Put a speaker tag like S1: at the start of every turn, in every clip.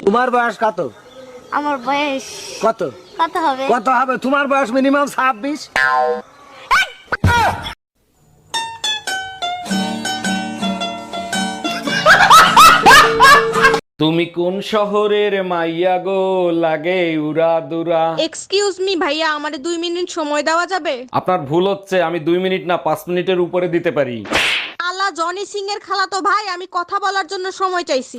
S1: তোমার বয়স কত?
S2: আমার বয়স
S1: কত?
S2: কত হবে?
S1: কত হবে? তোমার বয়স মিনিমাম 26।
S3: তুমি কোন শহরের মাইয়া গো, লাগে উড়া দুরা?
S4: এক্সকিউজ মি ভাইয়া, আমারে 2 মিনিট সময় দেওয়া যাবে?
S3: আপনার ভুল হচ্ছে, আমি 2 মিনিট না 5 মিনিটের উপরে দিতে পারি।
S4: আলা জনি সিং এর খালাতো ভাই, আমি কথা বলার জন্য সময় চাইছি।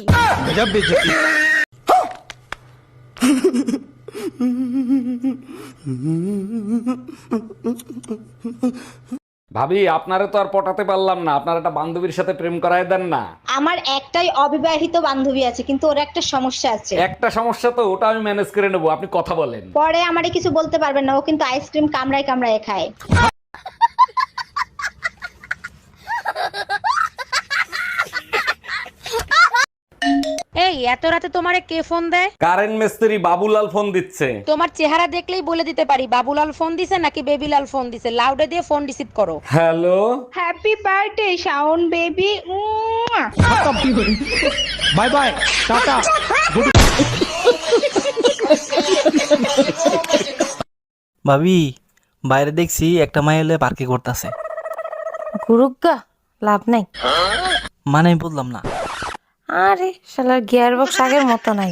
S3: ভাবি, আপনারে তো আর পটাতে পারলাম না, আপনার একটা বান্ধবীর সাথে প্রেম করায় দেন না।
S5: আমার একটাই অবিবাহিত বান্ধবী আছে, কিন্তু ওর একটা সমস্যা আছে।
S3: একটা সমস্যা তো, ওটা আমি ম্যানেজ করে নেবো, আপনি কথা বলেন।
S5: পরে আমারে কিছু বলতে পারবেন না, ও কিন্তু আইসক্রিম কামড়ায় কামড়ায় খায়।
S4: এই এত রাতে তোমারে কে ফোন দেয়?
S3: কারেন্ট মিস্ত্রি বাবুলাল ফোন দিচ্ছে।
S4: তোমার চেহারা দেখলেই বলে দিতে পারি বাবুলাল ফোন দিছে নাকি বেবিলাল ফোন দিছে। লাউডে দিয়ে ফোন রিসিভ করো।
S3: Hello,
S5: happy birthday Shaon baby.
S1: Bye bye, tata.
S6: ভাবি, বাইরে দেখছি একটা মাই এলে পার্কে করতেছে।
S7: গুরুগা লাভ নাই।
S6: মানে আমি বললাম না।
S7: আরে শালার গিয়ার বক্স আগের মতো নাই।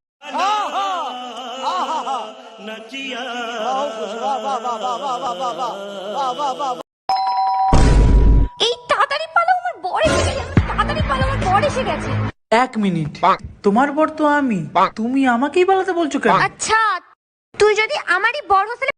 S2: এই তাড়াতাড়ি পালাও, আমার বর এসে গেছে। তাড়াতাড়ি পালাও, আমার বর এসে গেছে।
S8: 1 মিনিট, তোমার বর তো আমি, তুমি আমাকেই পালাতে বলছো কেন?
S2: আচ্ছা, তুই যদি আমারই বর হোস্টেলে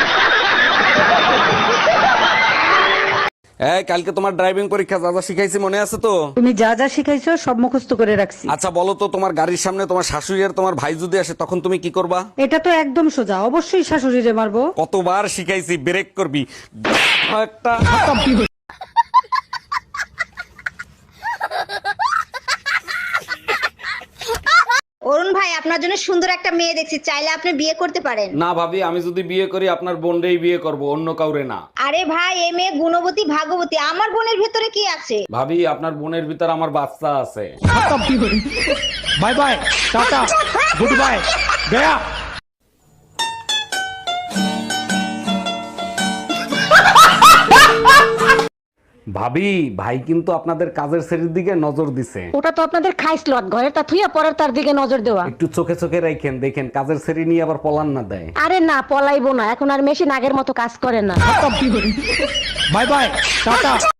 S3: এই কালকে তোমার ড্রাইভিং পরীক্ষা যা যা শিখাইছি মনে আছে তো?
S9: তুমি যা যা শিখাইছো সব মুখস্থ করে রাখছি।
S3: আচ্ছা বলো তো, তোমার গাড়ির সামনে তোমার শাশুড়ি আর তোমার ভাই যদি আসে তখন তুমি কি করবা?
S9: এটা তো একদম সোজা, অবশ্যই শাশুড়িরে মারবো।
S3: কতবার শিখাইছি, ব্রেক করবি একটা।
S5: অরুণ ভাই, আপনার জন্য সুন্দর একটা মেয়ে দেখছি, চাইলে আপনি বিয়ে করতে পারেন।
S3: না ভাবি, আমি যদি বিয়ে করি আপনার বোনকেই বিয়ে করব, অন্য কাউরে না।
S5: আরে ভাই, এই মেয়ে গুণবতী ভাগবতী, আমার বোনের ভেতরে কি আছে?
S3: ভাবি, আপনার বোনের ভিতর আমার বাচ্চা আছে।
S1: Bye bye, tata, good bye, গয়া।
S3: ভাবি, ভাই কিন্তু আপনাদের কাজের শ্রেণীর দিকে নজর দিছে।
S9: ওটা তো আপনাদের খাইস লট, ঘরে তা থুইয়া পরের তার দিকে নজর দেওয়া।
S3: একটু চোখে চোখে রাখেন, দেখেন কাজের শ্রেণী নিয়ে আবার পলান না দেয়।
S9: আরে না, পলাইবো না, এখন আর মেশিন আগের মতো কাজ করে না।
S1: Bye bye, tata.